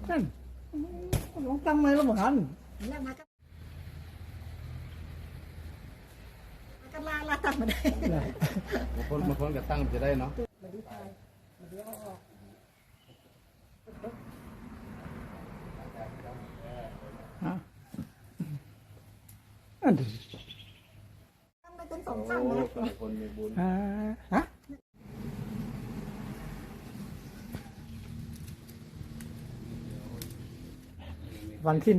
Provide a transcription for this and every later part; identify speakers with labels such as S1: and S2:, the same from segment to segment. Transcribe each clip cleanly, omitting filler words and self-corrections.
S1: นั่นลองตั้งไหมแล้วเหมือนกัน
S2: แล้วมาก็ลาตั้งมาได้
S3: มาพ้นกับตั้งจะได้เนาะ
S1: อันนี้
S2: ตั้งไปเป็น2 ตั้งเลย
S3: คนมีบุญ
S1: ฮะวันที่1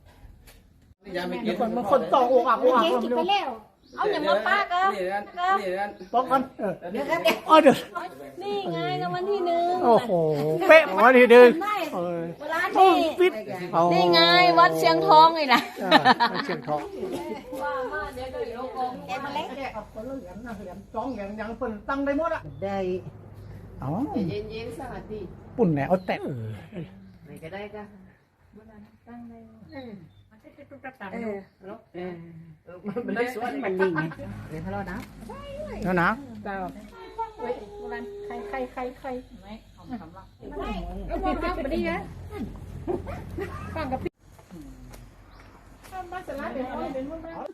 S1: มันคนต่ออกอักอกอัก
S2: กินไปแล้วเอาอย่างมาป้าก็
S1: บอกกัน
S2: เดี๋ยวกัน
S1: เดี๋ยว
S4: นี่ไงรางวัลที่1
S1: โอ้โหเป๊ะวันที่1
S4: ร้านนี่นี่ไงวัดเชียงทองไงนะ
S1: เชียงทอง
S4: ว่ามาเดี๋ยวก็ยกอง
S2: แกมาเล็ก
S1: คนละเหรียญนะเหรียญจ้องอย่างเปิดตั้งได้หมดอ่ะ
S2: ได้
S1: อ๋อ
S4: เย็นๆสวัสดี
S1: ปุ่นแหนเอาแต่
S4: ไหนก็ได้ก็ตั้งได้
S2: มันจะตุ๊กตามันได้สวยมันดีไงเดี๋ยวทะเลาะนะ
S1: แล้วนะ
S2: เจ้าเฮ้ยโบราณใครไม่เอาคำละก็มองครับมาดีนะฟังกับพี่มาสลัดเดี๋ยวเป็นมุ่งแล้ว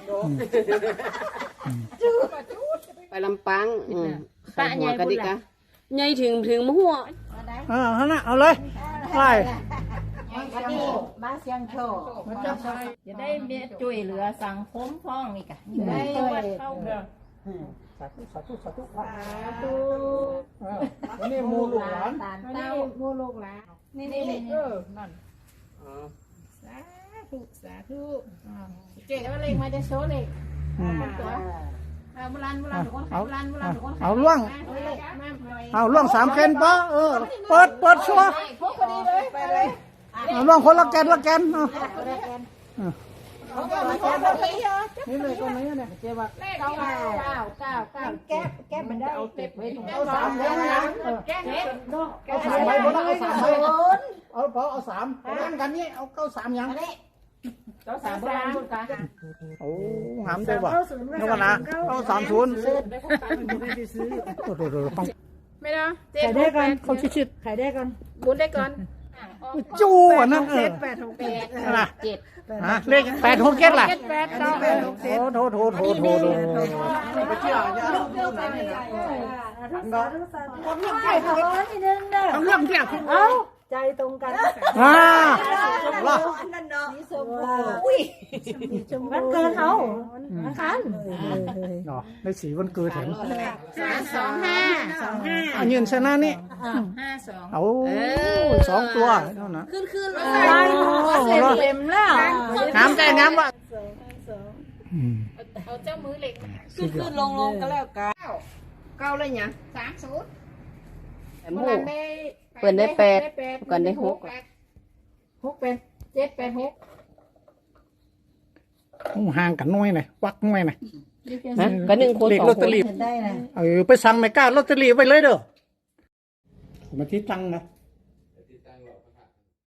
S4: ไปลำปางป้าใหญ่กันดิกะใหญ่ถึงมะหัว
S1: ฮะน่ะเอาเลยไล่
S2: วันนี้มาเสียงโชว์จะได้เบี้ยช่วยเหลือสังคมฟ้องอีกอ่ะได้วัดเข้าสาธุ
S1: นี่มูลูกหลาน
S2: เต้ามูลูกหลานนี่นั่นสาธุเจ๊ก็เลยมาจะโชว์เลยตัวโบราณทุกคนโบราณทุกคน
S1: เอาล่วง3 เกนปะเปิดชัว
S2: พกพอดีเลยไปเลย
S1: ล่วงคนละแกนนี่เลยตรงนี้เนี่ยเจ๊ว่า
S2: 9แก้มันได้เอาเก็บไว้ตรงเอา3
S1: เลยนะเอา3ใบบ่ได้เอา3ใบเอา3นั่นกันนี่เอา93ยัง
S2: 3โบราณหมดกัน
S1: โอ้หามได้บ่นึกว่านะเอา30
S2: ไม่ได้
S1: ขายได้กันเขาชิด
S2: ขายได้กันบุญได้ก่อน
S1: จู้อ่ะนั่น
S2: นะ
S1: เลข867ล่ะโถไปเชื่อต้องเรื่องเที่ยง
S2: ใจตรงกัน
S1: ล่ะ
S2: นั่นเนาะอุ้ยวันเกิดเขาวันคัน
S1: เนาะในสีวันเกิดถึง
S2: 25
S1: อันยืนชนะนี่
S2: 52
S1: โอ้2 ตัวเท่านั้น
S4: ขึ้น
S2: เต็มแล้ว
S1: น้ำใจน้ำวะ
S2: เอาเจ้ามือเหล็ก
S4: ขึ้นลงกันแล้วกัน9เลยเนี่ย
S2: 30
S4: แต่หมู่เปิดได้8กันได้6
S2: เป็น7 8 6
S1: ห่างกันน้อยหน่อยวักน้อยหน่อย
S4: ก็1 คน
S1: 2 คนลอตเตอรี่ไปสั่งไม่กล้าลอตเตอรี่ไปเลยเด้อมาที่ตังนะ